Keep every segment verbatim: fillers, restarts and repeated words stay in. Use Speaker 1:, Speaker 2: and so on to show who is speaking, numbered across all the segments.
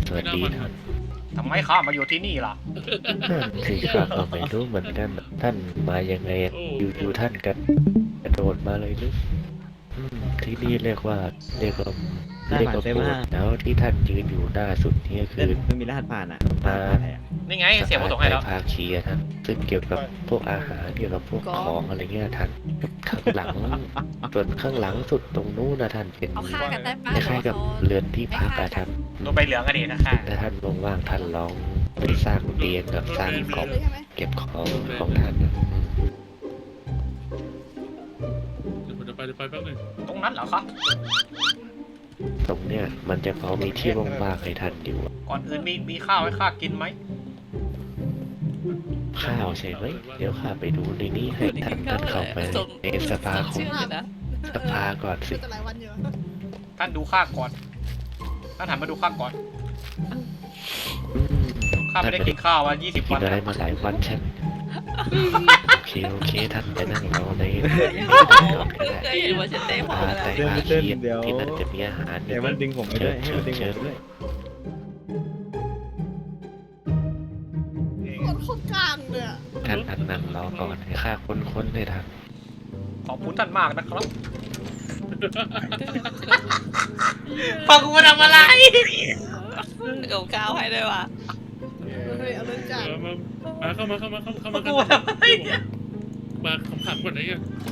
Speaker 1: สวัสดีท่าน
Speaker 2: ทำไมข้ามาอยู่ที่นี่ล่ะ
Speaker 1: นั่นสิข้าก็ไม่รู้เหมือนกันท่านมายังไงอยู่ๆท่านกันกระโดดมาเลยหรืออืมที่นี่เรียกว่าเรียกว่าเรียกว่าโบสถ์แล้วที่ท่านยืนอยู่หน้าสุดนี่คื
Speaker 3: เล่น
Speaker 1: อ
Speaker 3: ไม่มีรหัสผ่านอ่ะรหัสผ่านอะไรอ่ะ
Speaker 2: นี่ไงเสียบมาส่งให้แล้ว
Speaker 1: ภาคีอะท่านซึ่งเกี่ยวกับพวกอาหารเกี่ยวกับพวกของอะไรเงี้ยท่านข้างหลังส่วนข้างหลังสุดตรงนู้นนะท่านเป็น
Speaker 4: เอาฆ่ากันได้ปะ
Speaker 1: คล้ายๆกับเรือนที่พักอะท่าน
Speaker 2: ตัวใบเหลืองกันดีนะค่ะ
Speaker 1: ถ้าท่านว่างๆท่านลองไปสร้างเตียงกับสร้างกล่อง
Speaker 4: เลยใช่ไหม
Speaker 1: เก็บของของท่านนะอืม
Speaker 5: เดี๋ยวผมจะไปเดี๋ยวไปแป๊บนึง
Speaker 2: ตรงนั้นเหรอครับ
Speaker 1: ตรงเนี้ยมันจะพอมีที่ว่างๆให้ท่านอยู่
Speaker 2: ก่อนอื่นมีมีข้าวให้ข้ากินไหม
Speaker 1: ข้าวใช่ไหมเดี๋ยวข้าไปดูในนี้ให้ท่านท่านเข้าไปในสภาของ
Speaker 4: ชื่ออะไรนะ
Speaker 1: สภาก่อนสิ
Speaker 4: จะหลายวันอยู่
Speaker 2: ท่านดูข้าก่อน ท่านหันมาดูข้าก่อน
Speaker 1: อืม
Speaker 2: ข้าไม่ได้กินข้าวมายี่สิบ
Speaker 1: กิ
Speaker 2: วัน น
Speaker 1: อะไร
Speaker 2: แล้ว
Speaker 1: มาหลายวันใช่ไหมโอเคโอเคท่านไปนั่งรอในก่อนก็ได้
Speaker 4: เคยเห็นว่าฉันเต้พอ
Speaker 1: อา
Speaker 4: แล้ว
Speaker 1: แต่อาเคียนที่นั่นจะมีอาหาร
Speaker 3: เดี๋ยวมันดึงผมไปด้วยให้มันดึงผมไปด้วย
Speaker 4: คนโคตรกลางเลยอะ
Speaker 1: ท่านท่านนั่งรอก่อนให้ข้าค้นๆเลยท่าน
Speaker 2: ขอบคุณท่านมากนะครับฟังกูมาทำอะไร
Speaker 4: เก่าก้าวให้ด้วยว่ะเฮ้ยเอาเรื่องจั
Speaker 5: เอ
Speaker 4: ด
Speaker 5: อมามาเข้ามาเข้ามาเข้าเข้า
Speaker 2: ฟั
Speaker 5: มาง
Speaker 2: กู
Speaker 5: เข้า
Speaker 2: มา
Speaker 5: มา
Speaker 2: ทำอะไรเนี่ย
Speaker 5: มาขำขันก่อนไหนกัน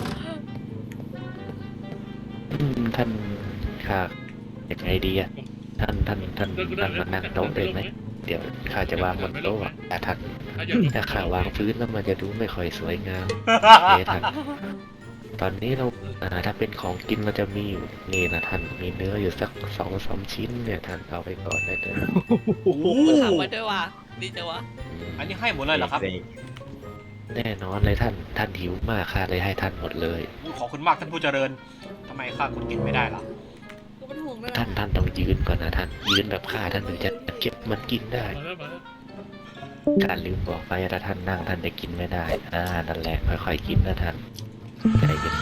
Speaker 1: อืมท่านข้ายังไงดีอะท่านท่านท่านท่านมานั่งโต๊ะได้ไหมเดี๋ยวข้าจะวางบนโต๊ะอะแต่ท่าน
Speaker 5: ถ้าอย่างนี้
Speaker 1: ถ้าข้าวางพื้นแล้วมันจะดูไม่ค่อยสวยงามโอเคท่านตอนนี้เราอ่าถ้าเป็นของกินเราจะมีอยู่นี่นะท่านมีเนื้ออยู่สักสองสามชิ้นเนี่ยท่านเอาไปก่อนได้เลย
Speaker 2: โอ้โห
Speaker 4: ถามมาด้วยว่ะดีจังวะ
Speaker 1: อืม
Speaker 2: อันนี้ให้หมดเลยเหรอครับ
Speaker 1: แน่นอนเลยท่านท่านหิวมากข้าเลยให้ท่านหมดเลย
Speaker 2: ขอบคุณมากท่านผู้เจริญทำไมข้าคุณกินไม่ได้ล่ะ
Speaker 4: กูเป็นห่วงเลย
Speaker 1: ท่านท่านต้องยืนก่อนนะท่านยืนแบบข้าท่านถึงจะเก็บมันกินได้
Speaker 5: มาแล้วมาแล้ว
Speaker 1: ท่านลืมบอกไปถ้าท่านนั่งท่านจะกินไม่ได้อ่านั่นแหละค่อยๆกินนะท่านใจเย็น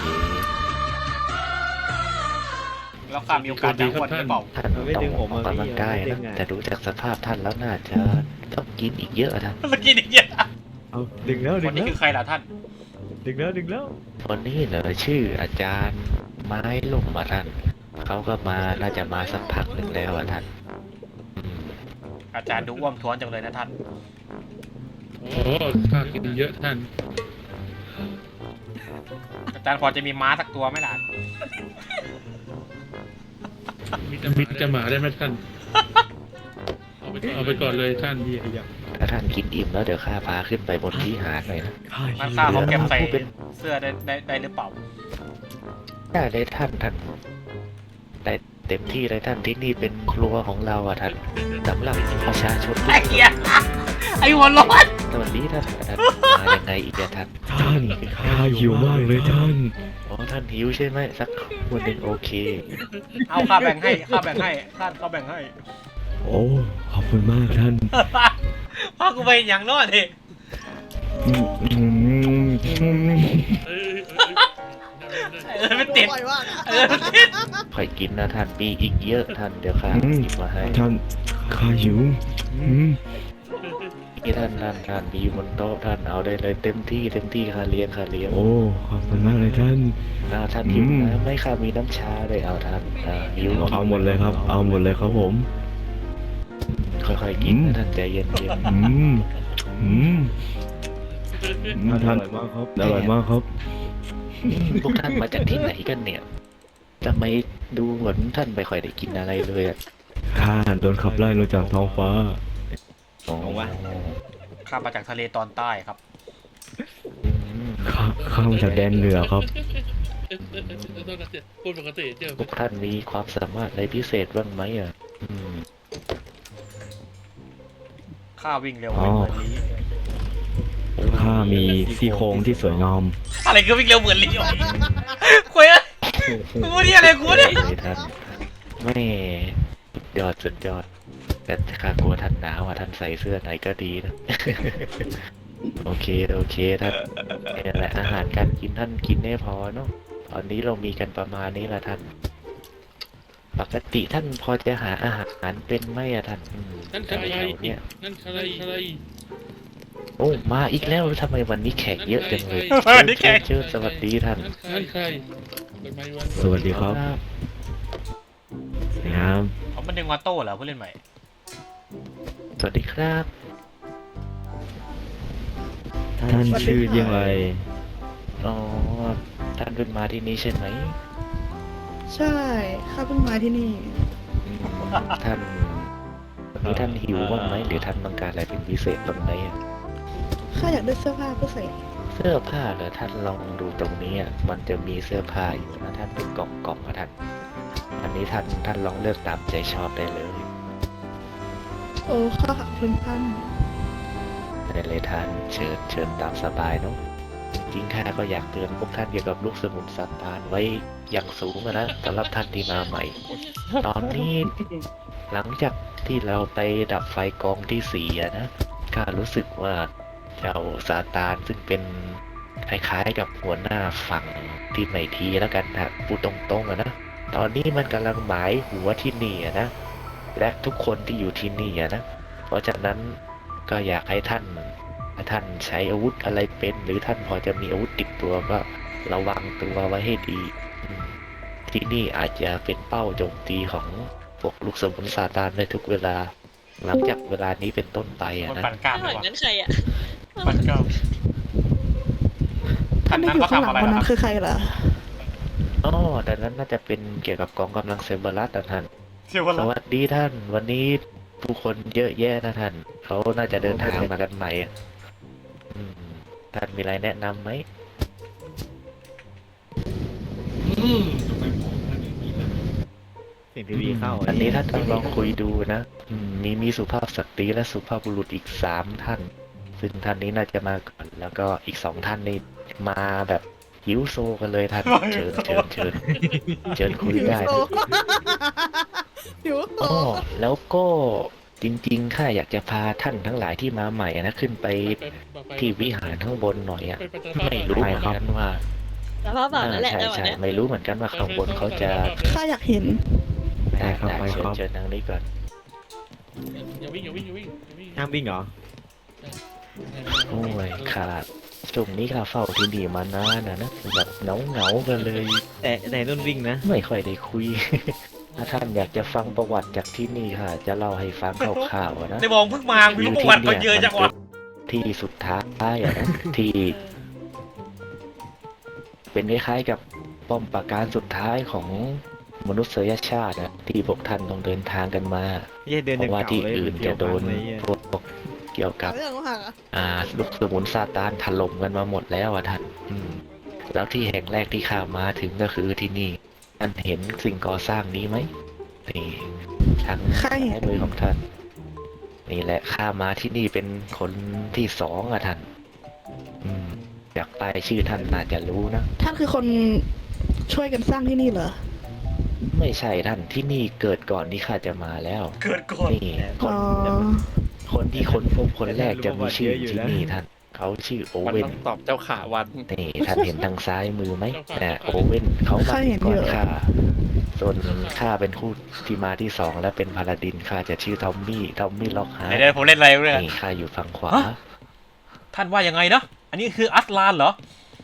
Speaker 2: แล้วข้ามีโอกาสจะอ้วนหรือเปล่า
Speaker 1: ๆท่านต้องออกกำลังกายนะแต่ดูจากสภาพท่านแล้วน่าจะต้องกินอีกเยอะท่าน
Speaker 2: เมื่อกี้นี่เนี่ย
Speaker 3: เอาดึงแล้วดึ
Speaker 2: คน
Speaker 3: ง
Speaker 2: นี้
Speaker 3: แล้ว
Speaker 2: คือใครล่ะท่าน
Speaker 3: ดึงแล้วดึงแล้ว
Speaker 1: คนนี้เหรอชื่ออาจารย์ไม้ล่มมาท่านเขาก็มาน่าจะมาสักพักหนึ่งแล้วอ่ะท่านอืม
Speaker 2: อาจารย์ดูอ้วมท้วนจังเลยนะท่าน
Speaker 5: โอ้ข้ากินเยอะท่าน
Speaker 2: อาจารย์พอจะมีม้าสักตัวไหมล่ะ
Speaker 5: มีจะมีจะหมาได้ไหมท่านเอาไปเอาไปก่อนเลยท่าน
Speaker 3: พี่อยาก
Speaker 1: ถ้าท่านกินอิ่มแล้วเดี๋ยวข้าพาขึ้นไปบนที่หาดหน่อยนะ
Speaker 2: มันข้าเขาเก็บใส่เสื้อได้ได้ได้หรือเปล่า
Speaker 1: ได้เลยท่านท่านได้เต็มที่เลยท่านที่นี่เป็นครัวของเราอ่ะท่านสำหรับประชาชนทุ
Speaker 2: ไอ้
Speaker 1: กค
Speaker 2: เหี้ย
Speaker 1: น
Speaker 2: ไอ้หัวร้อน
Speaker 1: สวัสดีท่านท่านมายังไงอีกอะท่าน
Speaker 3: ท่านข้าหิวมากเลยท่าน
Speaker 1: อ๋อท่านหิวใช่ไหมสักคนหนึ่งโอเค
Speaker 2: เอาข้าแบ่งให้ข้าแบ่งให้ท่านเขาแบ่งให้
Speaker 3: โอ้ขอบคุณมากท่าน
Speaker 2: พ่อกูไปอย่างนอนดิ
Speaker 3: อืมอืมอืม
Speaker 5: เอ้ยเอ้ยเอ้ย
Speaker 2: เออไม่ติด
Speaker 4: บ่อยว่ะ
Speaker 2: เออไม่ติด
Speaker 1: ค่อยกินนะท่านมีอีกเยอะท่านเดี๋ยวข้าหยิบมาให้
Speaker 3: ท่านข้าหิวอืม
Speaker 1: นี่ท่านท่านท่านมีบนโต๊ะท่านเอาได้เลยเต็มที่เต็มที่ข้าเลี้ยงข้าเลี้ยง
Speaker 3: โอ้ขอบคุณมากเลยท่าน
Speaker 1: อ่าท่านหิว
Speaker 3: อืม
Speaker 1: น้ำไหม่ข้ามีน้ำชาเลยเอาท่านอ่าหิว
Speaker 3: เอาหมดเลยครับ เอาหมดเลยครับผม
Speaker 1: ค่อยๆกินนะท่านใจเย็น
Speaker 3: อืมอืมท่านอร่อยมากครับอร่อยมากครับ
Speaker 1: ๆพวกท่านมาจากที่ไหนกันเนี่ยทำไมดูเหมือนท่านไม่ค่อยได้กินอะไรเลยอะ
Speaker 3: ข้าโดนขับไล่ลงจากท้องฟ้า
Speaker 1: อ๋อ
Speaker 2: ข้ามาจากทะเลตอนใต้ครับ
Speaker 1: อืม
Speaker 3: ข้าข้ามาจากแดนเหนือครับ
Speaker 5: พูดปกติเจอ
Speaker 1: พวกท่านมีความสามารถอะไรพิเศษบ้างไหมอ่ะอืม
Speaker 2: ข้าวิ่งเร็วไม่เหมือนลี
Speaker 3: ข้ามีซี่โครงที่สวยงาม
Speaker 2: อะไรคือวิ่งเร็วเหมือนลีวะคุยอะกูนี่อะไรกูเนี่ย
Speaker 1: เลยท่านไม่สุดยอดสุดยอดแต่ข้ากลัวท่านหนาวอ่ะท่านใส่เสื้อไหนก็ดีนะ โอเคโอเคท่านนี่แหละอาหารการกินท่านกินได้พอเนาะตอนนี้เรามีกันประมาณนี้แหละท่านปกติท่านพอจะหาอาหารเป็นไหมอะท่านอืม
Speaker 5: นั่นใค
Speaker 1: แถ
Speaker 5: ร
Speaker 1: วๆเนี่ย
Speaker 5: นั่นใครใคร
Speaker 1: โอ้มาอีกแล้วทำไมวันนี้แขกเยอะจังเลย
Speaker 2: วันนี้แขก
Speaker 1: เชิญสวัสดีท่าน
Speaker 5: นั่นใครเปิดไมค์วัน
Speaker 3: สวัสดีครับครับ
Speaker 2: เขามันดึงมาโต้เหรอผู้เล่นใหม่
Speaker 1: สวัสดีครับ
Speaker 3: ท่านชื่อเยี่ยงไร
Speaker 1: อ๋อท่านเพิ่งมาที่นี่ใช่ไหม
Speaker 6: ใช่ข้าเพิ่งมาที่นี่
Speaker 1: อืมท่านวันนี้ท่านหิวบ้างไหมหรือท่านต้องการอะไรเป็นพิเศษตรงไหนอะ
Speaker 6: ข้าอยากได้เสื้อผ้าเพื่อใส่
Speaker 1: เสื้อผ้าเหรอท่านลองดูตรงนี้อะมันจะมีเสื้อผ้าอยู่นะท่านเป็นกล่องกล่องๆนะท่านอันนี้ท่านท่านลองเลือกตามใจชอบได้เลย
Speaker 6: โอ้ข้าขอบคุณท่าน
Speaker 1: ได้เลยท่านเชิญเชิญตามสบายเนาะจริงๆข้าก็อยากเตือนพวกท่านเกี่ยวกับลูกสมุนซาตานไว้อย่างสูงอะนะสำหรับท่านที่มาใหม่ ตอนนี้หลังจากที่เราไปดับไฟกองที่สี่อะนะข้ารู้สึกว่าเจ้าซาตานซึ่งเป็นคล้ายๆกับหัวหน้าฝั่งที่ไม่ทีแล้วกันนะพูดตรงๆอะนะตอนนี้มันกำลังหมายหัวที่นี่อะนะและทุกคนที่อยู่ที่นี่อะนะเพราะฉะนั้นก็อยากให้ท่านถ้าท่านใช้อาวุธอะไรเป็น หรือท่านพอจะมีอาวุธติดตัวก็ระวังตัวไว้ให้ดีอืมที่นี่อาจจะเป็นเป้าโจมตีของพวกลูกสมุนซาตานได้ทุกเวลา หลังจากเวลานี้เป็นต้นไปอะ
Speaker 2: คน
Speaker 1: นะ
Speaker 2: ปั่นกล้าม
Speaker 4: ไม่
Speaker 2: เล
Speaker 4: เหมื
Speaker 2: ย
Speaker 4: อน
Speaker 2: วะ
Speaker 4: นั้นใครอ่ะ
Speaker 2: ปั่นกล้าม
Speaker 6: ท่านที่อยู่ข้างหลังคนนั้นคือใครล่ะ
Speaker 1: อ๋อแต่นั้นน่าจะเป็นเกี่ยวกับกองกำลังเซเบอรัสนะท่าน
Speaker 2: เชื่อว่า
Speaker 1: สวัสดีท่าน วันนี้ผู้คนเยอะแยะนะท่าน เขาน่าจะเดินทางมากันใหม่อะอืมท่านมีอะไรแนะนำไหม
Speaker 3: เสียงทีวีเข้า
Speaker 1: อันนี้ท่านต้องลองคุยดูนะอืมมีมีสุภาพสตรีและสุภาพบุรุษอีกสามท่าน ซึ่งท่านนี้น่าจะมาก่อน แล้วก็อีกสองท่านนี่มาแบบหิวโซกันเลยท่าน เชิญเชิญเชิญเชิญคุยได้นะ
Speaker 6: อยู่
Speaker 1: อ๋อแล้วก็จริงๆ ข้าอยากจะพาท่านทั้งหลายที่มาใหม่อะนะขึ้นไปที่วิหารข้างบนหน่อยอะไม่รู้เหมือนกันว่า
Speaker 4: สภาพแบบนั้นแหละ
Speaker 1: อ่า
Speaker 4: จังหวะ
Speaker 1: ใช่
Speaker 4: เนี้ย
Speaker 1: ใช่ไม่รู้เหมือนกันว่าข้างบนเขาจะ
Speaker 6: ข้าอยากเห็น
Speaker 3: ได้ครับ
Speaker 1: ได้
Speaker 3: ไป
Speaker 1: เชิ
Speaker 3: ค
Speaker 1: ญ
Speaker 3: รับ
Speaker 1: เชิญทางนี้ก่อน
Speaker 5: อย่าวิ่งอย่าวิ่งอย่าวิ่งอย่าวิ่ง
Speaker 3: ห้ามวิ่งเหรอ
Speaker 1: โอ้ยขาดช่วงนี้ข้าเฝ้าที่นี่มานานนะนะแบบเหงาเหงาๆกันเลย
Speaker 3: แต่แต่นุ่นวิ่งนะ
Speaker 1: ไม่ค่อยได้คุย ถ้าท่านอยากจะฟังประวัติจากที่นี่ค่ะ จะเล่าให้ฟังคร่าวๆอะนะ
Speaker 2: ในมองเพิ่งมามีประวัติมาเยอะจังวะ
Speaker 1: ที่สุดท้ายอะนะที่ เป็นคล้ายๆกับป้อมปราการสุดท้ายของมนุษยชาตินะที่พวกท่านต้องเดินทางกันมา
Speaker 3: ไม่ใช่เดิน
Speaker 1: เพ
Speaker 3: อย่าง
Speaker 1: ราะว่า
Speaker 3: เก่า
Speaker 1: ที่
Speaker 3: เลย
Speaker 1: อื่น
Speaker 3: เที่ย
Speaker 1: จะ
Speaker 3: ว
Speaker 1: โด
Speaker 3: พั
Speaker 1: น
Speaker 3: งเลยอะ
Speaker 1: พวกเกี่ยวกับ
Speaker 6: เรื่องว่า
Speaker 1: อ่าลูกสมุนซาตานถล่มกันมาหมดแล้วอ่ะท่านอืมแล้วที่แห่งแรกที่ข้ามาถึงก็คือที่นี่ท่านเห็นสิ่งก่อสร้างนี้ไหมนี่ทาง
Speaker 6: ข้าเห็น
Speaker 1: ซ้ายมือของท่าน นี่แหละข้ามาที่นี่เป็นคนที่สองอ่ะท่าน อืมจากไปายชื่อท่านน่าจะรู้นะ
Speaker 6: ท่านคือคนช่วยกันสร้างที่นี่เหรอ
Speaker 1: ไม่ใช่ท่านที่นี่เกิดก่อนที่ข้าจะมาแล้ว
Speaker 2: เกิดก่อน
Speaker 1: นี่ค
Speaker 6: อ๋
Speaker 1: น
Speaker 6: อ
Speaker 1: คนที่ค้นพบคนแรกจะมีชื่ออยู่ที่นี่ท่าน เขาชื่อโอ
Speaker 7: มัน
Speaker 1: เว่น
Speaker 7: ต้องตอบเจ้าขาวัน
Speaker 1: นี่ท่านเห็นทางซ้ายมือไหมนะโอเว่นเขามาก่อนข้าส่วนข้าเป็นคู่ที่มาที่สองและเป็นพาลาดินข้าจะชื่อทอมมี่ทอมมี่ล็อกฮาร์
Speaker 2: เดี๋ยวเดี๋ยวผมเล่นอะไรเรื่อง
Speaker 1: นี่ข้าอยู่ฝั่งขวา
Speaker 2: ฮะ ท่านว่ายังไงนะ อันนี้คืออัสลานเหรอ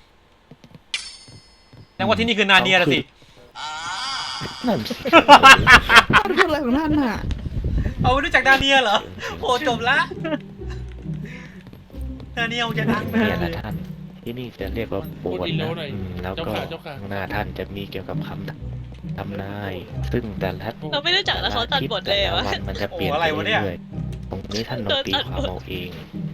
Speaker 2: แสดงว่าที่นี่คือนาเนียนะสิ
Speaker 1: นั่นสิ
Speaker 6: ท่านพูดอะไรของท่านน่ะ
Speaker 2: เอารู้จักนาเนียเหรอโอ้จบละนาเนียจะดัง
Speaker 1: เนี่ยนะท่าน ที่นี่จะเรียกว่าโบสถ์นะอืมแล้วก็ข้างหน้าท่านจะมีเกี่ยวกับคำทำนาย ซึ่งแต่ละ
Speaker 4: เราไม่รู้จักแล้วเขาตัดบทเลย
Speaker 1: แต่
Speaker 4: อะ
Speaker 1: ละ
Speaker 4: วะ
Speaker 1: วันมันจะเปลี่ยนไปเรื่อยๆตรงนี้ท่านลองตีความเอาเอง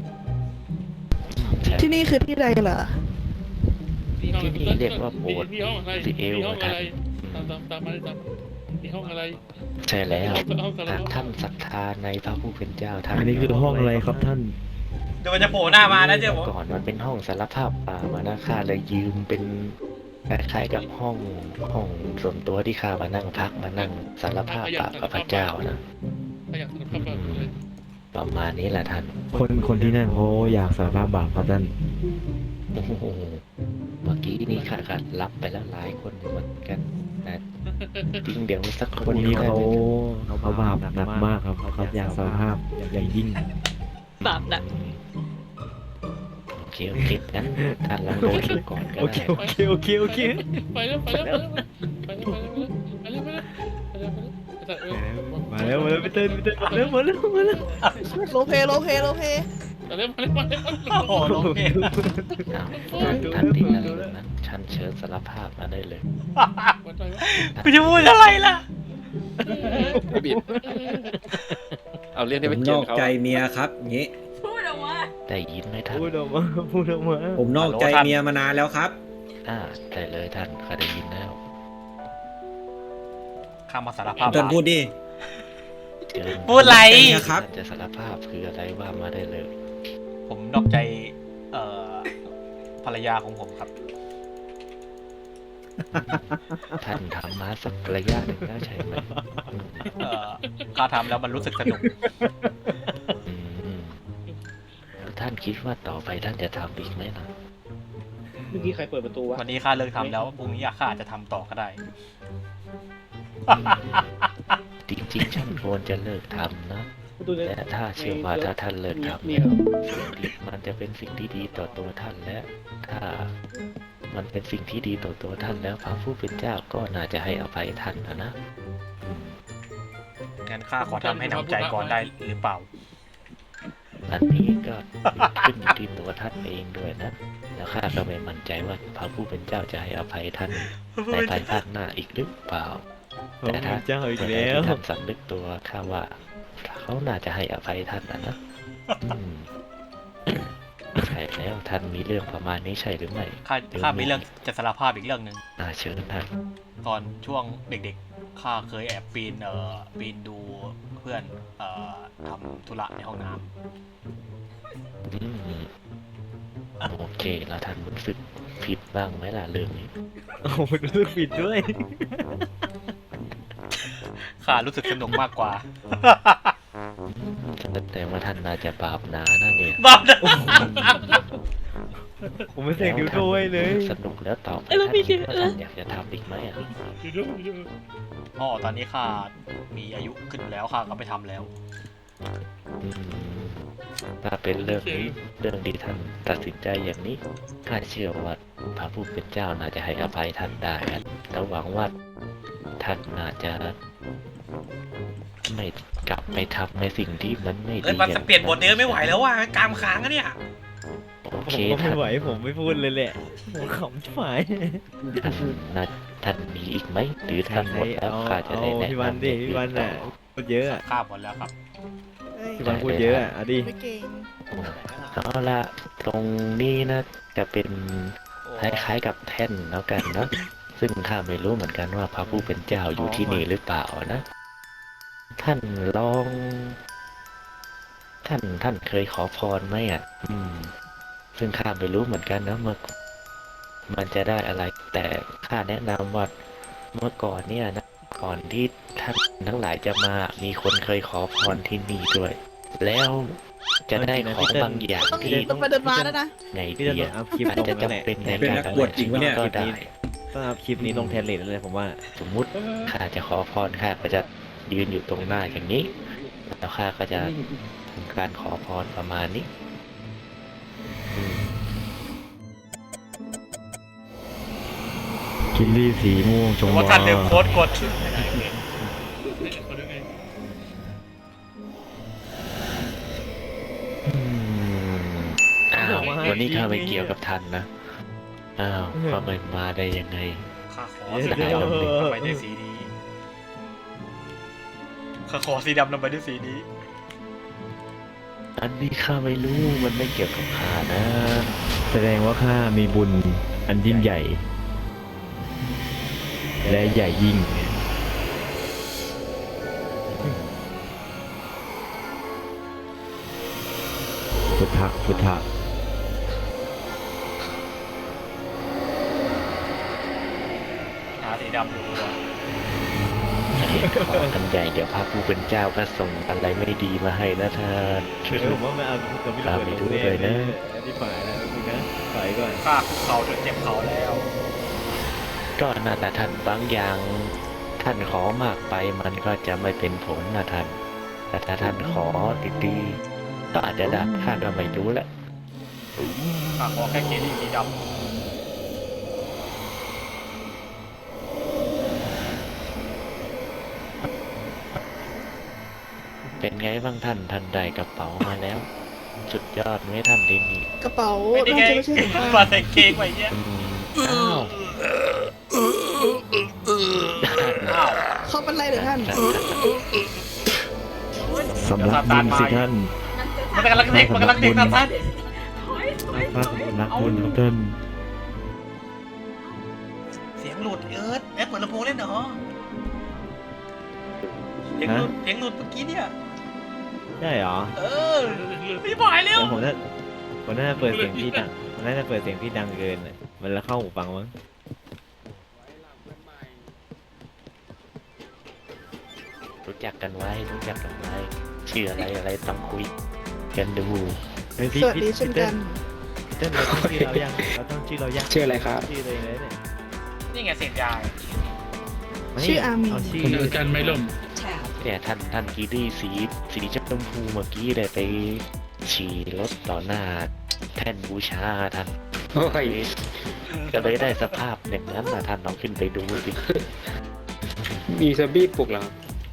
Speaker 1: ใช่
Speaker 6: ที่นี่คือที่ใดเหรอ
Speaker 1: ที่นี่เรียกว่าโบสถ์
Speaker 5: มีห้องอะไร
Speaker 1: สิเอล
Speaker 5: มีห้องอะไร
Speaker 1: ท่าน
Speaker 5: ตามตามตามมาเลยตามมีห้องอะไร
Speaker 1: ใช่แล้ว
Speaker 5: ห้องสาร
Speaker 1: หาก
Speaker 5: พัด
Speaker 1: ท่านศรัทธาในพระผู้เป็นเจ้าท่าน
Speaker 3: อันนี้คือห้องอะไรครับท่าน
Speaker 2: เดี๋ยวมันจะโผล่หน้ามานะเจ้าผม
Speaker 1: ก่อนมันเป็นห้องสารภาพป่ามานะข้าเลยยืมเป็นคล้ายๆกับห้องห้องส่วนตัวที่ข้ามานั่งพักมานั่งสารภาพป่ากับพระเจ้านะ
Speaker 5: ถ้าอยากสารภาพแบบเลย
Speaker 1: ประมาณนี้แหละท่าน
Speaker 3: คนคนที่นั่นเขาอยากสารภาพบาปครับท่าน
Speaker 1: โอ้โหเมื่อกี้นี่ข้าก็รับไปแล้วหลายคนอยู่เหมือนกันนะจริงเดี๋ยวสักค
Speaker 3: คน น
Speaker 1: นี้
Speaker 3: นี้
Speaker 1: เขา
Speaker 3: เขาเขาบาปหนักมากครับเขาอยากสารภาพอย่างยิ่ง
Speaker 4: บาปหนัก
Speaker 1: โอเคโอเคงั้นท่านลองเดินดูก่อนก็
Speaker 3: โอเค
Speaker 1: ได้
Speaker 3: โอเคโอเคโอเค
Speaker 5: ไปแล้วไปแล้วไปแล้วไปแล้วไปแล้วไปแล้วไปแล้วไปแล้ว
Speaker 3: มาแล้วมาแล้วไปเต้นไปเต้นมาแล้วมาแล้วมาแล้ว
Speaker 6: โลเพโลเพโลเพ
Speaker 5: ไปแล้วไปแล้วไปแล้ว
Speaker 2: โอ้โหลงเพลง
Speaker 1: อ้าวท่านท่านที่นั่นเลยนะฉันเชิญสารภาพมาได้เลย
Speaker 2: กูจะพูดอะไรล่ะ
Speaker 7: บิดเอาเรื่องที่
Speaker 8: ผ
Speaker 7: ไป
Speaker 8: ม
Speaker 7: เจ
Speaker 8: น
Speaker 7: อ
Speaker 8: อก
Speaker 7: เขา
Speaker 8: ใจเมียครับงี้
Speaker 4: พูดออกมา
Speaker 1: ได้ยินไหมท่าน
Speaker 3: พูดออกมาพูดออกมา
Speaker 8: ผมนอกใจเมียมานานแล้วครับ
Speaker 1: อ่าได้เลยท่านข้าได้ยินแล้ว
Speaker 2: ข้ามาสารภาพ
Speaker 8: จนพูดดิ
Speaker 1: เชิญ
Speaker 2: พูดอะไร
Speaker 8: เนี่ยครับ
Speaker 1: ท่านจะสารภาพคืออะไรว่ามาได้เลย
Speaker 2: ผมนอกใจ เอ่อ ภรรยาของผมครับ
Speaker 1: ท่านทำมาสักระยะหนึ่งแล้วใช่ไหม
Speaker 2: เอ่อข้าทำแล้วมันรู้สึกสนุก
Speaker 1: อืมแล้วท่านคิดว่าต่อไปท่านจะทำอีกไหมล่ะ
Speaker 9: เมื่อกี้ใครเปิดประตูวะ
Speaker 2: วันนี้ข้าเลิกทำแล้วพรุ่งนี้ข้าอาจจะทำต่อก็ได้
Speaker 1: จริงๆฉันควรจะเลิกทำนะ
Speaker 9: ประตูเนี่ย
Speaker 1: แต่ถ้าเชื่อว่าถ้าท่านเลิกทำ
Speaker 9: เนี่
Speaker 1: เนี่ย
Speaker 9: ย
Speaker 1: มันจะเป็นสิ่งที่ดีต่อตัวท่านและ ถ้ามันเป็นสิ่งที่ดีต่อตัวท่านแล้วพระผู้เป็นเจ้าก็น่าจะให้อภัยท่านนะนะอืม
Speaker 2: งั้นข้าขอทำให้หนำใจก่อนได้หรือเปล่า
Speaker 1: อันนี้ก็ขึ้นอยู่ที่ตัวท่านเองด้วยนะ แล้วข้าก็ไม่มั่นใจว่าพระผู้เป็นเจ้าจะให้อภัยท่านในภายภาคหน้าอีกหรือเปล่า
Speaker 3: พระพุทธเจ้าอีก
Speaker 1: เมื่อใด
Speaker 3: แล้ว
Speaker 1: ที่ท่านสำนึกตัวข้าว่าเขาน่าจะให้อภัยท่านนะนะอืมใช่แล้วท่านมีเรื่องประมาณนี้ใช่หรือไม่
Speaker 2: ข้าข้ามีเรื่องจะสารภาพอีกเรื่องหนึ่ง
Speaker 1: อ่าเชิญท่าน
Speaker 2: ตอนช่วงเด็กๆ ข้าเคยแอบปีน เอ่อ ปีนดูเพื่อน เอ่อทำธุระในห้องน้ำ
Speaker 1: อืมโอเคแล้วท่านรู้สึกผิดบ้างไหมล่ะเรื่องนี้
Speaker 3: โอ้โหรู้สึกผิดด้วย
Speaker 2: ข้ารู้สึกสนุกมากกว่า
Speaker 1: แต่ว่าท่านน่าจะบาปหนานะเนี่ย
Speaker 2: บ้านะ
Speaker 3: ผมไม่เสกนิ้วโต้ให้เลย
Speaker 1: สนุกแล้วต่อไปท่านคิดว่าท่านอยากจะทำอีกไหมอ่ะ
Speaker 2: อ๋อตอนนี้ข้ามีอายุขึ้นแล้วข้าก็ไม่ทำแล้ว
Speaker 1: อืมถ้าเป็นเรื่องนี้เรื่องที่ท่านตัดสินใจอย่างนี้ข้าเชื่อว่าพระผู้เป็นเจ้าน่าจะให้อภัยท่านได้นะแล้วหวังว่าท่านน่าจะไม่กลับไปทำในสิ่งที่มันไม่ดี
Speaker 2: เอ้ยมันจะเปลี่ยนบทเนื้อไม่ไหวแล้วว่ะกามค้างอะเนี่ย
Speaker 1: โอ
Speaker 3: ผม
Speaker 1: เค
Speaker 3: ก็
Speaker 1: ท่า
Speaker 3: ไม่
Speaker 1: น
Speaker 3: ไหวผมไม่พูดเลยแหละผมขำชิบหาย
Speaker 1: ท่านน่าท่านมีอีกไหมหรือท่านหมดแล้ว
Speaker 3: เอา
Speaker 1: ข้าจะ
Speaker 3: เอา
Speaker 1: ได้แนะ
Speaker 3: พี่วัน
Speaker 1: นำ
Speaker 3: ดิ
Speaker 1: อย่าง
Speaker 3: พี่วัน
Speaker 1: ต่
Speaker 3: อ่ะพูดเยอะอะ
Speaker 2: ข้าหมดแล้วครับ
Speaker 6: เอ้ย
Speaker 3: พี่วันพูดเยอะอะเอาดิ
Speaker 6: ไม่เก่ง
Speaker 1: เอาละตรงนี้นะจะเป็นคล้ายๆกับแท่นแล้วกันเนอะซึ่งข้าไม่รู้เหมือนกันว่าพระผู้เป็นเจ้าอยู่ที่นี่หรือเปล่านะ ท่านลอง ท่านท่านเคยขอพรไหมอ่ะ อืม ซึ่งข้าไม่รู้เหมือนกันนะเมื่อมันจะได้อะไร แต่ข้าแนะนำว่าเมื่อก่อนเนี่ยนะก่อนที่ท่านทั้งหลายจะมามีคนเคยขอพรที่นี่ด้วย แล้วจะได้ของบางอย่าง
Speaker 6: ต้อง
Speaker 1: ที่
Speaker 6: ต้องไปเดินมาแล้วนะ
Speaker 1: ไง
Speaker 3: พี่
Speaker 1: ดี
Speaker 3: จะต้อ
Speaker 1: อะ
Speaker 3: งอัพคลิป
Speaker 1: อาจ
Speaker 3: ลง
Speaker 1: จะ
Speaker 3: นั่นแหละ
Speaker 1: จำเป็นใน
Speaker 8: เป็น
Speaker 1: การ
Speaker 8: นักบวชจริงปะเนี่ย
Speaker 1: ก็ได้
Speaker 3: ต้องอัพคลิปนี้ลงแทนเลทเลยผมว่า
Speaker 1: สมมุติข้าจะขอพรข้าก็จะยืนอยู่ตรงหน้าอย่างนี้ แล้วข้าก็จะทำการขอพรประมาณนี้อืม
Speaker 3: คิมลี่สีม่วงชม
Speaker 2: ว่าท่านลืมโค้ดกด
Speaker 1: อืมอ้าววันนี้ข้าไม่เกี่ยวกับท่านนะ อ้าวก็ไม่มาได้ยังไง
Speaker 2: ข้าขอสีดำนำไปด้วยสีนี้ข้าขอสีดำนำไปด้วยสีนี้
Speaker 1: อันนี้ข้าไม่รู้มันไม่เกี่ยวกับข้านะ
Speaker 3: แสดงว่าข้ามีบุญอันยิ่งใหญ่ และใหญ่ยิ่ง พุทธะพุทธะ
Speaker 2: หาสีดำอยู่ตัว
Speaker 1: ขอกันใหญ่เดี๋ยวพระผู้เป็นเจ้าก็ส่งอะไรไม่ดีมาให้นะท่าน
Speaker 3: เออผมว่าไม่เอาตัวพี่ระเบิดลงแน่เลยนะที่ฝ่ายแล้วคุณนะฝ่ายก่อน
Speaker 2: ข้าคุกเข่าจนเจ็บเข่าแล้ว
Speaker 1: ก็นั่นแหละท่านบางอย่างท่านขอมากไปมันก็จะไม่เป็นผลนะท่านแต่ถ้าท่านขอดีๆก็อาจจะได้ข้าก็ไม่รู้แหละ
Speaker 2: ข้าขอแค่เกดีสีดำ
Speaker 1: เป็นไงบ้างท่านท่านได้กระเป๋ามาแล้ว สุดยอดไหมท่านดีนี่
Speaker 6: กระเป๋า
Speaker 2: ไม่ได้
Speaker 6: น่า
Speaker 2: ไง
Speaker 6: จะไม่ใช่ของข้า
Speaker 2: มาใส่เค้กไว้เนี่ย
Speaker 1: อืมอ้าว
Speaker 2: อ้าว
Speaker 6: เขาเป็นไรเหรือท่าน
Speaker 3: สำลักบุญสิท่าน
Speaker 2: มันกำลังเด็กมันกำลังเด็กนะท่าน
Speaker 3: ข้าสำลักบุญครับท่าน
Speaker 2: เสียงหลุดเอิร์ธแอปเปิดลำโพงเล่นเหรอเสียงหลุดเสียงหลุดเมื่อกี้เนี่ย
Speaker 3: ใช่เหรอ
Speaker 2: เออรีบหายเร็ว
Speaker 3: เดี๋ยวผมน่าผมน่าจะเปิดเสียงพี่ดังผมน่าจะเปิดเสียงพี่ดังเกินน่ะมันแล้วเข้าหูฟังมั้ง
Speaker 1: รู้จักกันไว้รู้จักกันไว้ชื่ออะไรอะไรต้องคุยกันดู
Speaker 3: เฮ้ยพี่
Speaker 6: สวัสดี
Speaker 3: พี่
Speaker 6: เช่นกัน
Speaker 3: พี่เต้นเราต้องชื่อเรายังเราต้องชื่อเรายัง
Speaker 9: ชื่ออะไรครับ
Speaker 3: ชื่อตัวเองเลยเนี่ย
Speaker 2: นี่ไงเสพยา
Speaker 3: มานี่
Speaker 6: ชื่ออามี
Speaker 3: เชื่อ
Speaker 5: คนอาจารย์ไม่ล่ม
Speaker 1: เนี่ยท่านท่านกีดี้สีสีชมพูเมื่อกี้เลยไปฉี่รถต่อหน้าแท่นบูชาท่าน
Speaker 9: โอ้ย
Speaker 1: ก็เลยได้สภาพอย่างนั้นนะท่านลองขึ้นไปดูสิ
Speaker 9: มีซอมบี้ปลุกเหรอครับ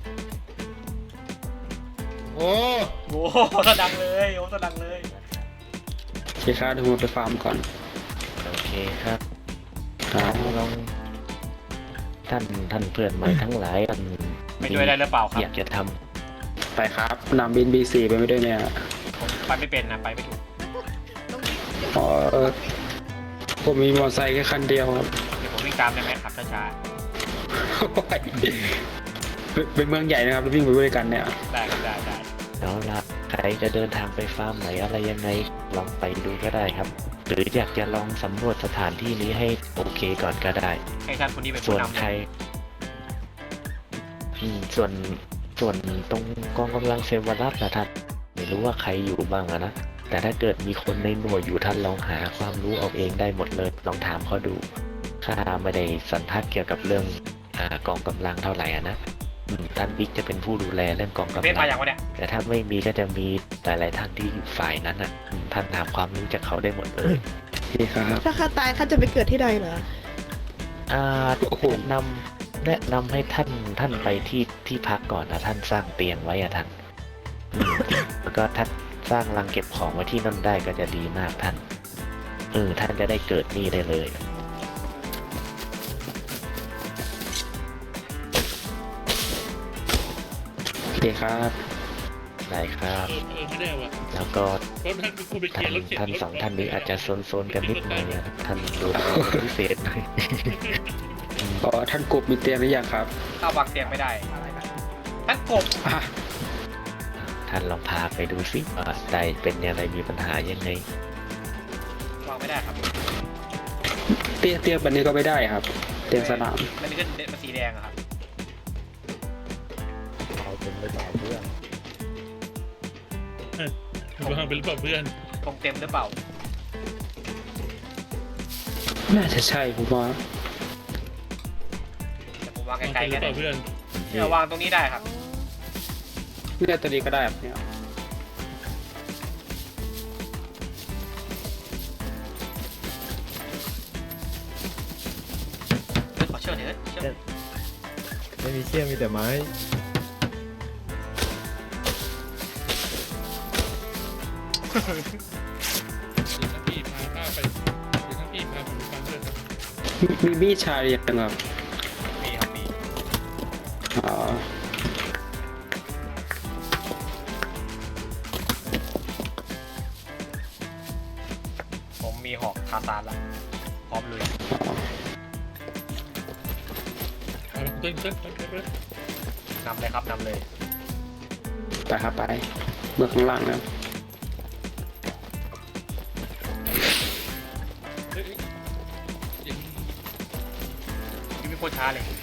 Speaker 5: โอ้
Speaker 2: โอ้โหสะดังเลยโอ้สะดังเลย
Speaker 9: โอเคครับเดี๋ยวผมไปฟาร์มก่อน
Speaker 1: โอเคครับ
Speaker 9: ครับ
Speaker 1: ลองท่านท่านเพื่อนใหม่ทั้งหลายท่าน
Speaker 2: ไปด้วยได้หรือเปล่าครับ
Speaker 1: อยากจะท
Speaker 9: ไปครับนำบินบีซีไปไม่ด้วยเนี่ย
Speaker 2: ผมไปไม่เป็นนะไปไม่ถูก
Speaker 9: อ๋อเออผมมีมอเตอร์ไซค์แค่คันเดียวครับ
Speaker 2: เดี๋ยวผมวิ่งตามได้ไหมครับช้า
Speaker 9: โอ้ยเป็นเป็นเมืองใหญ่นะครับวิ่งไปด้วยกันเนี่ย
Speaker 2: ๆได้ครับได้ได้
Speaker 1: ำแล้วละใครจะเดินทางไปฟาร์มไหนอะไรยังไงลองไปดูก็ได้ครับ หรืออยากจะลองสำรวจสถานที่นี้ให้โอเคก่อนก็ได้
Speaker 2: ให้ท่านคนนี้เป็น
Speaker 1: ส่
Speaker 2: ผู้
Speaker 1: วน
Speaker 2: นำ
Speaker 1: ใครอืมส่วนส่วนตรงกองกำลังเซวรัสนะท่านไม่รู้ว่าใครอยู่บ้างอะนะแต่ถ้าเกิดมีคนในหน่วยอยู่ท่านลองหาความรู้เอาเองได้หมดเลยลองถามเขาดูข้าไม่ได้สันทัดเกี่ยวกับเรื่องอากองกำลังเท่าไหร่อะนะอืมท่านบิ๊กจะเป็นผู้ดูแลเรื่องกองกำ
Speaker 2: เพชร
Speaker 1: ลั
Speaker 2: มาง อย่างวะเนี่ย
Speaker 1: แต่ถ้าไม่มีก็จะมีหลายๆท่านที่อยู่ฝ่ายนั้นอ่ะอืมท่านถามความรู้จากเขาได้หมดเลย
Speaker 9: โอเคครับ
Speaker 6: ถ้าข้าตายข้าจะไปเกิดที่ใดเหรอ
Speaker 1: อ่า
Speaker 9: โอ้โห
Speaker 1: แนะนำแนะนำให้ท่านท่านไปที่ที่พักก่อนนะท่านสร้างเตียงไว้อะท่านอืมแล้วก็ท่านสร้างรังเก็บของไว้ที่นั่นได้ก็จะดีมากท่านเออท่านจะได้เกิดนี่ได้เลย
Speaker 9: โอเคครับ
Speaker 1: ได้ครับ
Speaker 5: เออเออไม่ได้ว่ะ
Speaker 1: แล้วก็
Speaker 5: เพราะท่านเป็นผู้ไปเคลี
Speaker 1: ท่าย น
Speaker 5: ร์รถเข็น
Speaker 1: ท่าน
Speaker 5: รถ
Speaker 1: สองท่านนี้อาจจะโซนๆกันนิดหน่อยนะท่านดูแลเป็นพิเศษหน่อย
Speaker 9: อ๋อท่านกบมีเตียงหรือยังครับ
Speaker 2: ข้าวางเตียงไม่ได้ท่านกบ
Speaker 9: อ่ะ
Speaker 1: ท่านลองพาไปดูสิว่าได้เป็นยังไงมีปัญหายังไง
Speaker 2: วางไม่ได้ครับ
Speaker 9: เตียงเตียงแบบนี้ก็ไม่ได้ครับ เตียงสนาม
Speaker 2: มันมีเส้นมันสีแดงอะครับ
Speaker 5: วางเป็นหรือเปล่าเพื่อน
Speaker 2: ตรงเต็มหรือเปล่า
Speaker 9: น่าจะใช่ผมว่า
Speaker 2: เดี๋ยวผมวาง
Speaker 5: วาง
Speaker 2: ไกล
Speaker 5: เป็นห
Speaker 2: ๆ
Speaker 5: รื
Speaker 2: กั
Speaker 5: อน เปล่าเพื่อน
Speaker 2: เนี่ยวางตรงนี้ได้ครับ
Speaker 9: เนี่ยตัวนี้ก็ได้ครับเนี่ย
Speaker 2: ขอเชื่อเถิดเชื่อ
Speaker 3: ไม่มีเชี่ยมีแต่ไม้
Speaker 5: เดี๋ยวท่านพี่พาข้าไปเดี๋ยวท่านพี่พาผมไปฟังด้วยครับ
Speaker 9: มีมีมีดชาหรือยังครับ
Speaker 2: มีครับมี
Speaker 9: อ๋อ
Speaker 2: ผมมีหอกคาซานละพร้อมลุย
Speaker 9: อ๋อ
Speaker 5: เอาเต้นเต้นเต้นเต้นเต้น
Speaker 2: นำเลยครับนำเลย
Speaker 9: ไปครับไปเบื้องข้างล่างนะ
Speaker 5: เฮ้ยเฮ้ยอย่างนี้
Speaker 2: พี่ไม่โคตรช้าเลย